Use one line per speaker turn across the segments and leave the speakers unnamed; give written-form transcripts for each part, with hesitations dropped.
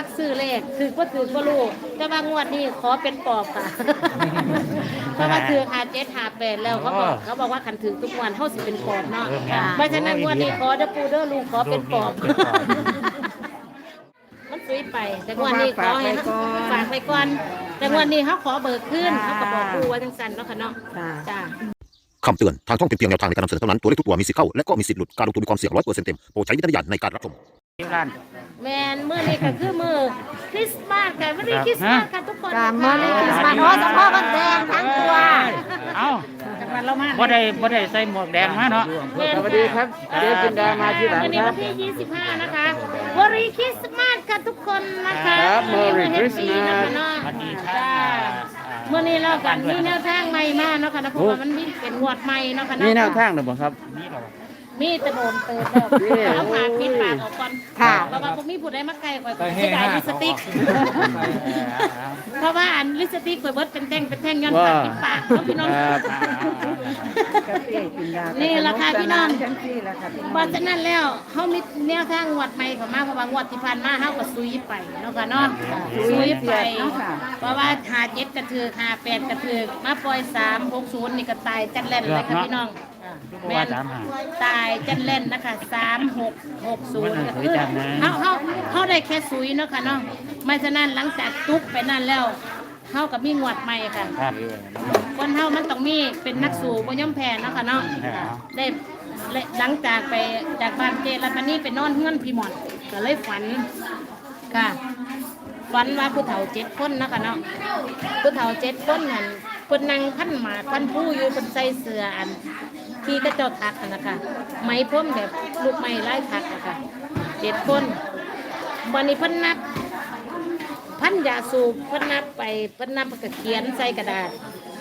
ซื้อเลขถือก็รู้แต่ว่างวดนี้ขอเป็นปอบค่ะเพราะว่าถือ5758แล้วเขาบอกว่าคันถือทุกวันเฮาสิเป็นปอบเนาะเพราะฉะนั้นงวดนี้ขอเด้อปู่เด้อลุงขอเป็นปอบมันซุยไปแต่งวดนี้ขอให้ฝากไปก่อนแต่งวดนี้เขาขอเบิกขึ้นเขาก็บอกปู่ว่าจังซั่นเนาะค่ะเนาะจ้า
คำเตือนทางช่องเป็นเพียงแนวทางในการนำเสนอเท่านั้นตัวเลขทุกตัวมีสิทธิ์เข้าและก็มีสิทธิ์หลุดการลงทุนมีความเสี่ยง100%เต็มโปรดใช้วิจารณญาณในการรับชม
แมนมื้อนี้ก็คือมื้อคริสต์มาสค่ะวันนี้คริสต์มาสค่ะทุกคน
มื้อนี้คริสต์มาสโอ้สมพ่อกันแดงทั้งตัว
เอ้าบ่ได้ใส่หมวกแดงมาเนาะ
สวัสดีครับเดี๋ยวจินดามาที่หลังครับวันนี้วันที่25นะคะวอรีคริสต์มาสค่ะทุกคนนะคะ
ครับวอรีคริสต์มาส
สวัสดีค่ะ
เมื่อนี้เรากันมีแนวทางใหม่มาเนาะค่ะนะเพราะว่ามันมีเป็นงวดใหม่เนาะค่ะ
มีแนวทางหรือเปล่าครับ
มีตะโดนเติมแล้วเอาผ่าปิดปากออกก่อนเพราะว่าผมมีผู้ใดมาไกลกว่าจะได้ลิปสติกเพราะว่าอันลิปสติกเปิดเป็นแท่งย้อนปากปิดปากพี่น้องนี่ราคาพี่น้องเพราะฉะนั้นแล้วเขามีแนวทางงวดใหม่ของมาเพราะว่างวดที่ผ่านมาเขาก็ซุยไปเนาะค่ะเนาะซุยไปเพราะว่า57กระถือ58กระถือมาปล่อย360นี่ก็ตายจัดเล่นเลยค่ะพี่น้องแม่ตายจันเล่นนะคะ3660ก็คือเขาได้แค่ซุยเนาะค่ะเนาะไม่ฉะนั้นหลังจากตุกไปนั่นแล้วเขากับมีงวดใหม่ค่ะคนเฮามันต้องมีเป็นนักสู้บ่ย่อมแพ้เนาะค่ะเนาะได้หลังจากไปจากบ้านเจรัตนีไปนอนเฮือนพี่หมอนก็เลยฝันค่ะฝันว่าผู้เฒ่า7คนเนาะค่ะเนาะผู้เฒ่า7คนนั่นเพิ่นนั่งพันหมากพันผู้อยู่เพิ่นใส่เสื้ออันที่กระจกทักนะคะไม้พ่มแบบลูกไม้ไล่ทักนะคะ7คนวันนี้เพิ่นนับพันยาสูบเพิ่นนับไปเพิ่นนับก็เขียนใส่กระดาษ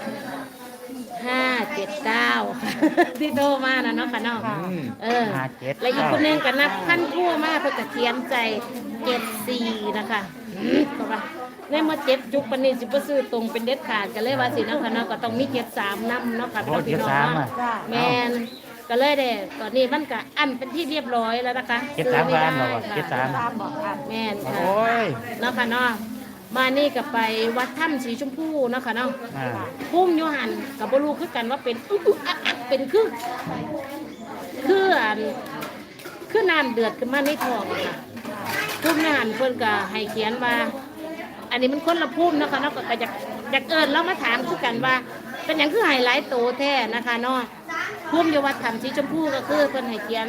579ที่โตมานะเนาะค่ะเนาะแล้วอีกคนนึงก็นับพันทั่วมาเพิ่นก็เขียนใจ74นะคะก็ว่าในมา7จุกปานนี้สิบ่ซื้อตรงเป็นเด็ดขาดก็เลยว่าสิเนาะค่ะเนาะก็ต้องมี73นำเนาะค่ะพี่น้องแม่นก็เลยได้ตอนนี้มันก็อันเป็นที่เรียบร้อยแล้วนะคะ
73ล้านบ่73
แม่นค่ะเนาะค่ะเนาะมานี่ก็ไปวัดถ้ำสีชมพูเนาะค่ะเนาะพุ่มอยู่หันก็บ่รู้คือกันว่าเป็นเป็นคือน้ำเดือดขึ้นมาในท้องค่ะพุ่มอยู่หันเพิ่นก็ให้เขียนว่าอันนี้มันคนละพุ่มนะคะเนาะก็อยากเอิญแล้วมาถามคือกันว่าเป็นอย่างคือไฮไลท์โตแท้นะคะเนาะพุ่มอยู่วัดถ้ำสีชมพูก็คือเพิ่นให้เขียน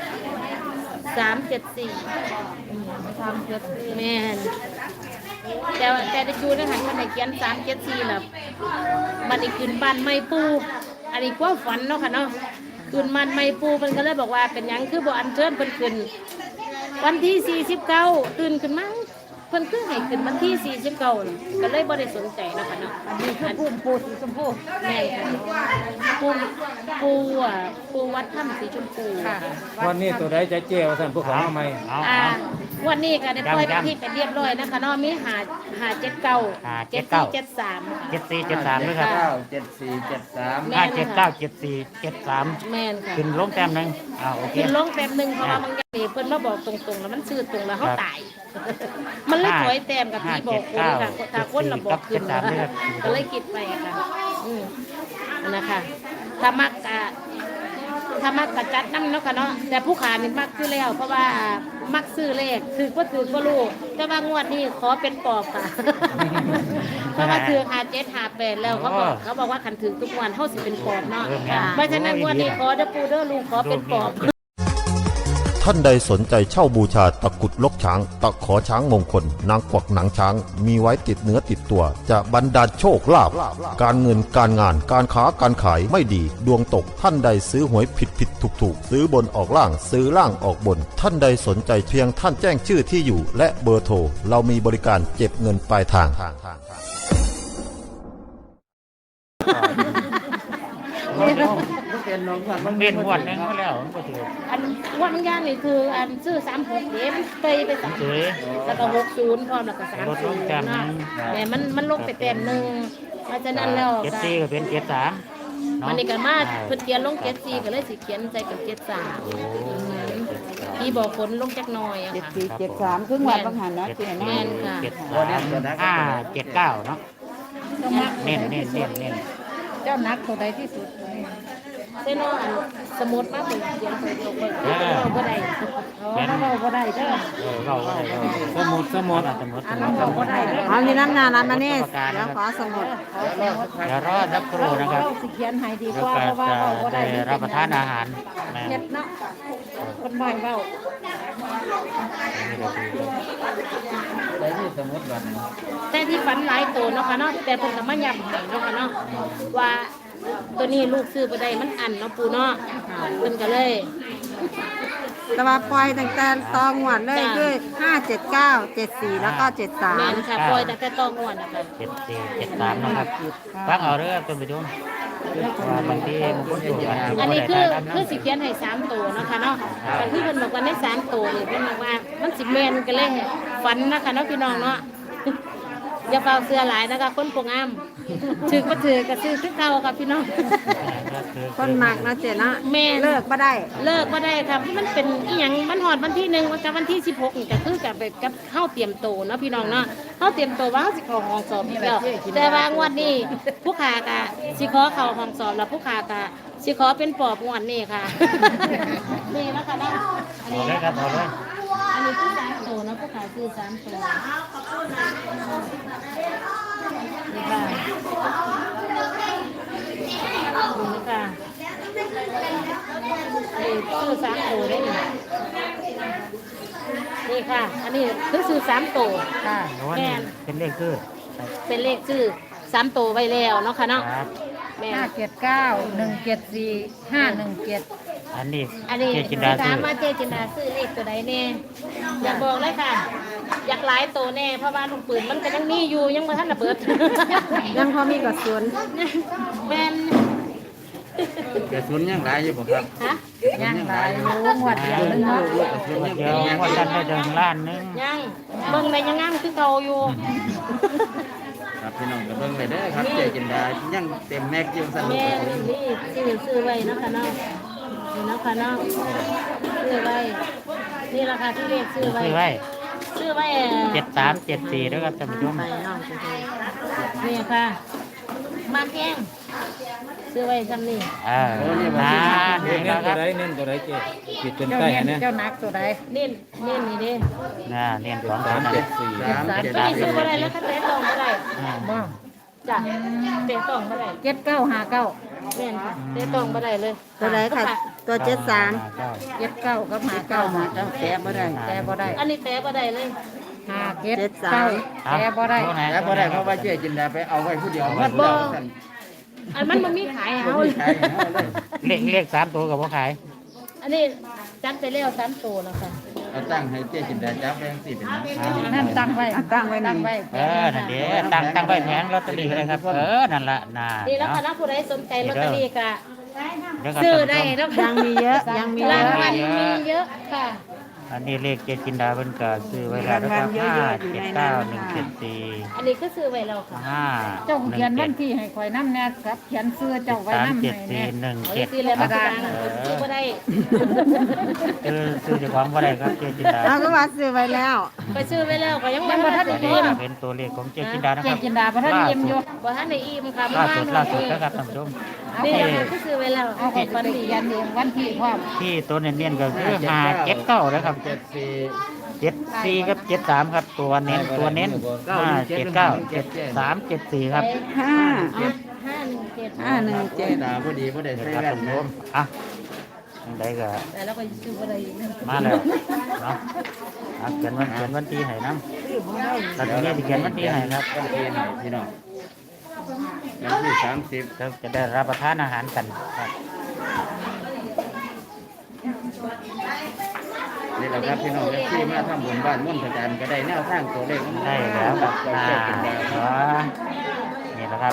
374แม่นแต่ได้ชูนะคะเพิ่นให้เขียน374แล้วบัดนี้ขึ้นบ้านไม้ปูอันนี้ความฝันเนาะค่ะเนาะขึ้นบ้านไม้ปูเพิ่นก็เลยบอกว่าเป็นหยังคือบ่อัญเชิญเพิ่นขึ้นวันที่49ตื่นขึ้นมาเพิ่นคือให้ขึ้นวันที่49ก็เลยบ่ได้สนใจนะคะเนาะอันนี้คือปูสีชมพูแม่ค่ะปูวัดถ้ำสีชมพูค่ะ
วันนี้ตัวใดจะเจียวท่านผู้ขอใหม่
วันนี้ก็ได้ปล่อยไปที่เป็นเรียบร้อยนะคะเนาะมี579 7473
ด้วยครับ
579 แม่นค่ะ
ขึ้นลงแต้มนึงโอเค
ขึ้นลงแต้มนึงเพราะว่าบางอย่างนี่เพิ่นมาบอกตรงๆแล้วมันซื่อตรงแล้วเฮาตายมันเลยถอยแต้มกับที่บอกคนค่ะถ้าคนระบอกขึ้นก็เลยคิดไปค่ะนะคะถ้ามักกะจัดน้ำเนาะค่ะเนาะแต่ผู้ขานี่มักซื้อแล้วเพราะว่ามักซื้อเลขถือก็รู้แต่ว่างวดนี้ขอเป็นปอบค่ะเพราะว่าถือ5758แล้วเขาบอกว่าคันถือทุกวันเฮาสิเป็นปอบเนาะเพราะฉะนั้นงวดนี้ขอเด้อปู่เด้อลุงขอเป็นปอบ
ท่านใดสนใจเช่าบูชาตะกุดลกช้างตะขอช้างมงคลนางกวักหนังช้างมีไว้ติดเนื้อติดตัวจะบรรดาลโชคลาภการเงินการงานการค้าการขายไม่ดีดวงตกท่านใดซื้อหวยผิดถูกซื้อบนออกล่างซื้อล่างออกบนท่านใดสนใจเพียงท่านแจ้งชื่อที่อยู่และเบอร์โทรเรามีบริการเก็บเงินปลายทาง
มันเป็นหวดนึงมาแล้วมันก็ถือ
อันวันย่านนี่คืออันซื้อ36เด้มไป30แล้วก็60พร้อมแล้วก็30นะแต่มันลงไปเต็มนึงเพราะฉะนั้นแล้ว
74ก็เป็น73
มันนี่ก็มาเพิ่นเขียนลง74ก็เลยสิเขียนใจกับ73 พี่บอกฝนลงจักหน่อยอะ
เจ็ด
ค่ะ
สี่เจ็ดสามครึ่งวันบางหันเนาะเจ๊
แม่
เนาะ
นค่ะ
เจ็ดสาม579เนาะเน้น
เจ้านักตัวใดที่สุด
เส้นอันสมุดมาเปิดเขียนไปเดียวไปเราบ่ได้
เราบ่ได้เด้อ
เรา
สมุด
เราบ่ได้เอานี่น้ำหนามานี่เดี๋ยวขอสมุด
เดี๋ยวรอสักครู่นะครับ
เราสิเขียนให้ดี
แล้
ก
ว
ว่า
ก็
เพราะว่าเราบ่
จะ
ได้
ได้รับประทานอาหารนะ
เฮ็ดเนาะคนบ่อยเว้า
ได้ที่สมุดบัตร
แต่ที่ฝันหลายตัวเนาะค่ะเนาะแต่เพิ่นก็มาย้ำให้เนาะค่ะเนาะว่าตัวนี้ลูกซื้อบ่ได้มันอันเนาะปู่เนาะเพิ่นก็เลย
แต่ว่าปล่อยตั้งแต่ตองหวดเลยคือ579 74แล้วก็
แม่น
73
ค่ะปล่อยตั้งแต่ต้องงวดนะคะ
7473นะครับฟังเอาเด้อท่านผู้ชมว่าบางทีมันก็อยู่กัน
อันนี้คือสิเขียนให้3ตัวเนาะค่ะเนาะแต่ที่เพิ่นบอกว่าใน3ตัวนี่เพิ่นบอกว่ามันสิแม่นกันเลยฝันนะคะเนาะพี่น้องเนาะอย่าเฝ้าเสื้อหลายนะคะคนโปงามถือก็ถือก็ซื้อคือเก่าค่ะพี่น้อง
คนมักเนาะเจ๊เนาะ
แม่
เลิกบ่ได้
เลิกบ่ได้ครับมันเป็นอีหยังมันฮอดวันที่1กับวันที่16นี่ก็คือกับเฮาเตรียมโตวเนาะพี่น้องเนาะเฮาเตรียมโตวว่าเฮาสิเข้าห้องสอบอีกแล้วแต่ว่างวดนี้ผู้ค้าก็สิขอเข้าห้องสอบแล้วผู้ค้าก็สิขอเป็นปอบงวดนี้ค่ะ นี่นะคะเนาะอัน
เอา
นี้
เลยครับเอาเลย
อันนี้คือ3ตัวนะผู้ค้าคือ3ตัวนี่ค่ะนี่ค่ะนี่คือ3ตัวได้นี่นี่ค่ะ อันนี้คือซื้อ3ตัว
ค่ะ
โน้นนี่เป็นเลขคือ
เป็นเลขชื่อ3ตัวไว้แล้วเนาะค่ะเนาะ
ครับ
แม่
579 174 517
อันนี้
อันนี้
เจจินดา
ถา
ซื้
ม
อ
ว่าเจจินดาซื้อเลขตัวใดแน่อยากบอกเลยค่ะ อยากหลายตัวแน่เพราะว่าลูกปืนมันก็ยังมีอยู่ยังบ่ทันระเบิด
ยังพอมีกระสุน
แม่น
กระสุนยังหลายอยู่บ่ครับ
ฮะ
ยังหลายอยู่งวดเดียวนึงเนาะ
เดี๋ยวว่าท่านได้เดินล้านหนึง
ยังเบิ่งได้ยังงามคือเก่าอยู่
ครับพี่น้องก็เบิ่งเลยเด้อครับเจ๊จินดายังเต็มแม็กอยู่สนุก
แม่นี่ซื้อไว้เนาะค่ะเนาะนี่เนาะค่ะเนาะซื้อไว้นี่ราคาที่เลขซื้อไว้
ซื้อไว้
ซื้อไว้
7374ด้วยครับท่านผู้ชม
ไปเนาะ
นี่ค่ะมาแกงซื้อไว้ซ้ำนี่
เน้น
นะ
ตัว
ครับ
ใดเน้นตัวใดเจ๊ปิดจน
เจ้า
ใต้
เน้น
นะ
เจ้านักตัวใด
เน้นนี่เด้
เรียนของเขานะ
ตัวนี้ซื้อบ่ได้แล้วค่ะเตะตองบ่ได้
บ่
จ้ะเตะตองบ่ได้
7959
แม่นค่ะเตะตองบ่ได้เลย
ตัวใดค่ะตัว 73
9
79กับ59มาแต้บ่ได้แต้บ่ได้
อันนี้เตะบ่ได้เลย
579แต้บ่ได้
แล้วบ่ได้เพราะว่าเจ๊จินดาไปเอาไว้ผู้เดียวมันบ่
อันมันบ่มีขายให้เฮา
ใช่เอาเลย
เลข3ตัวกับบ่ขาย
อันนี้จัดไปแล้ว3ตัวแล้วค่ะ
เอาตั้งให้เจ๊จินดาจับไว้จังซี่เป็นหยัง
นั่นตั้งไว้ตั้งไว้นั่นไว้
นั่นเด้ตั้งไว้แผงลอตเตอรี่ก็ได้ครับนั่นละน่ะ
นี่แล้วค่ะนะผู้ใดสนใจลอตเตอรี่ก็
เดี๋ยวก็
ซื้อได้แล้วค่ะ
ยังมีเยอะยังมีเย
ราง
อะ
วัลมีเยอะค่ะ
อันนี้เลขเจจินดาเพิ่นก็ซื้อไว้แล้วนะครับ579
อันนี้ก็ซื้อไว้แล้วค่ะ
174
เจ้าเขียนวันที่ให้ข่อยนำแน่ครับเขียนเสื้อเจ้าไว้นำให้แน่
ซื้อแล้วมาดังซื้อบ่ได้
ซื้อเจ้าของบ่ได้ครับเจจินดา
เราก็ว่าซื้อไว้แล้ว
ไปซื้อไว้แล้วก็ยังบ่ทันได้
นี่
อิ่ม
เป็นตัวเลขของเจจินดานะ
เจ
ครับ
จินดาบ่ทันเยี่ยมอยู่
บ่ทันได้อิ่มค่ะ
ล่า
มา
สุด
หน่
ล่า
อย
สุดนะครับท่านผู้ชม
นี่แหละค่ะก็ซื้อไว้แล้ว
เอาข่อยฝันดียันเองวันที่พร้อม
ที่ตัวเน้นๆก็คือ579นะครับ 74กับ73ครับตัวเน้น579 7374ครับ
517
517
ตาพอดีบ่ได้
เดี๋ยว
ใส่
ครับ
แว่
ท่าน
น
ผู้ชมได้ก็
แต่แล้วก็ซื้อบ่ได้อีก
มาแล้วเนาะเขียนวันที่ให้น้ำแล้วทีนี้จะเขียนวันที่ให้ครับ
วันที่ไหนพี่น้องวันที่30
เราจะได้รับประทานอาหารกันครับ
นี่แหละครับพี่น้องที่มาทำบุญบ้านม่วนพระจันทร์ก็ได้แนวทางตัวเลข
ได้แล้วครับ
เจ๊จินดา
นี่แหละครับ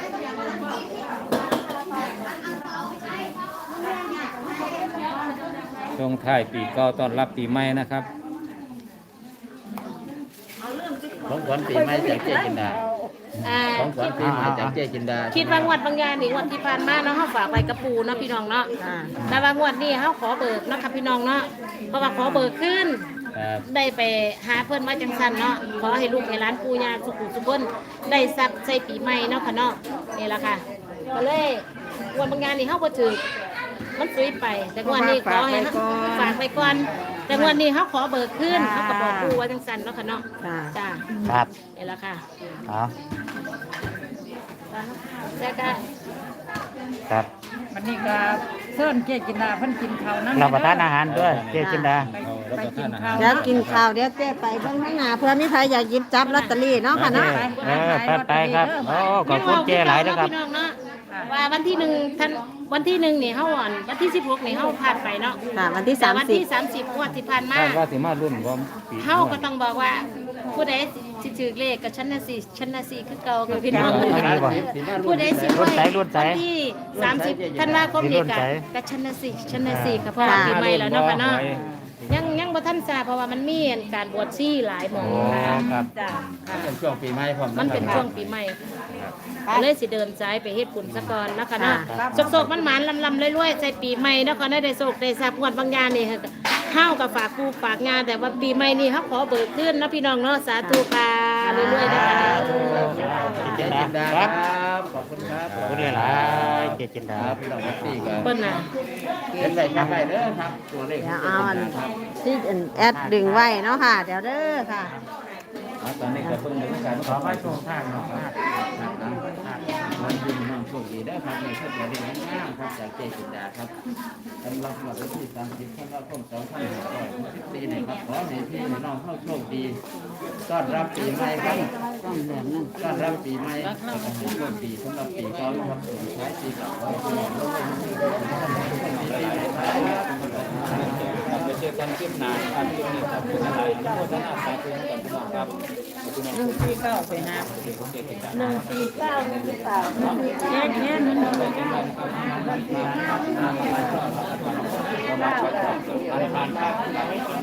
ช่วงท้ายปีเก่าต้อนรับปีใหม่นะครับของขวัญปีใหม่จากเจ๊จินดาของขวัญปีใหม่จากเจ๊จินดา
คิดว่างวดบางอย่างนี่งวดที่ผ่านมาเนาะเฮาฝากไว้กับปู่เนาะพี่น้องเนาะ
ค่ะ
แต่ว่างวดนี้เฮาขอเบิกเนาะค่ะพี่น้องเนาะเพราะว่าขอเบิกขึ้น
ครับ
ได้ไปหาเพิ่นมาจังซั่นเนาะขอให้ลูกให้หลานปู่ย่าสุขสุขเพิ่นได้ทรัพย์ใส่ปีใหม่เนาะค่ะเนาะนี่ล่ะค่ะก็เลยงวดบางอย่างนี่เฮาบ่ถือมันซุยไป แต่งวดนี้ขอให้ฝากไปก่อนแต่งวดนี้เฮาขอเบิกขึ้นเฮาก็บอกปู่ว่าจังซั่นเนาะค่ะเนาะ
ค่ะ
จ้า
ครับ
นี่ล่ะค่ะ
เอา
แล้วก็
ครับ
วันนี้ก็เชิญเจ๊จินดาเพิ่นกินข้าวนั่น
รับประทานอาหารด้วยเจจินดา
ไปกินข้าว
เดี๋ยวกินข้าวเดี๋ยวเจ๊ไปเบิ่งข้างหน้าเพื่อมีใครอยากหยิบจับลอตเตอรี่เนาะค่ะเนาะ
ไปครับโอ้ขอบคุณเจหลายนะครับ
พี่น้องเนาะว่าวันที่1ท่านวันที่1นี่เฮาอ่อนวันที่16นี่เฮาผ่านไปเนาะ
ค่ะวันที่
แต่วันที่
30
30งวดที่ผ่านมา
คาดว่าสิมารุ่นพร้อมปี
เฮาก็ต้องบอกว่าผู้ใดสิถือเลขกับฉันน่ะสิฉันน่ะสิคือเก่ากับพี่น้อง ผู้ใดสิรวยวันที่30ธันวาคมนี่กับฉันน่ะสิฉันน่ะสิค่ะเพราะว่าปีใหม่แล้วเนาะค่ะเนาะยังบ่ทันทราบเพราะว่ามันมีการบวชชีหลายหม่องค่ะ
ครับ
จ้ะค่ะ
เป็นช่วงปีใหม่พร้อม
มันเป็นช่วงปีใหม่ก็เลยสิเดินซ้ายไปเฮ็ดบุญซะก่อนนะคะเนาะโศกๆมันหมานลำๆรวยๆใส่ปีใหม่เนาะก็ได้โศกได้ทราบงวดบางอย่างนี่เฮากับฝากกูฝากงานแต่ว่าปีใหม่นี่เฮาขอเบิกขึ้นเนาะพี่น้องเนาะสาธุค่ะรวยๆนะคะ
เจ
เจ๊
จิ
จิ
น
น
ดา
ดา
ค
ค
รั
รับ บขอบคุณครับ
ขอบคุณหลายเจจินดา
ครับพี่น้องพี่ก็
เปิ้นน่ะ
เป็นไรครับไปเด้อครับตัวเลข
เดี๋ยวเอาอันที่แอดดึงไว้เนาะค่ะ เดี๋ยวเด้อค่ะ
ตอนนี้ก็เพิ่งถึงการ
ขอให้โชคทางเนาะ
วันยืนน้องโชคดีได้ครับในชุดประเด็นงามครับจากเจจินดาครับสำหรับวันที่30ธันวาคม2564นี้ครับขอให้พี่น้องเข้าโชคดีต้อนรับปีใหม่ครับต้อนรับปีใหม่ขอให้โชคดีสำหรับปีเก่าครับส่งท้ายปีเก่าขอให้พี่น้องร่วมไปเจอกันคลิปหน้าครับคลิปนี้ขอบคุณอะไรทุกคนท่านอาสาทุกท่านครับ
149ไปหา
149
เจ๊เจ๊มัน149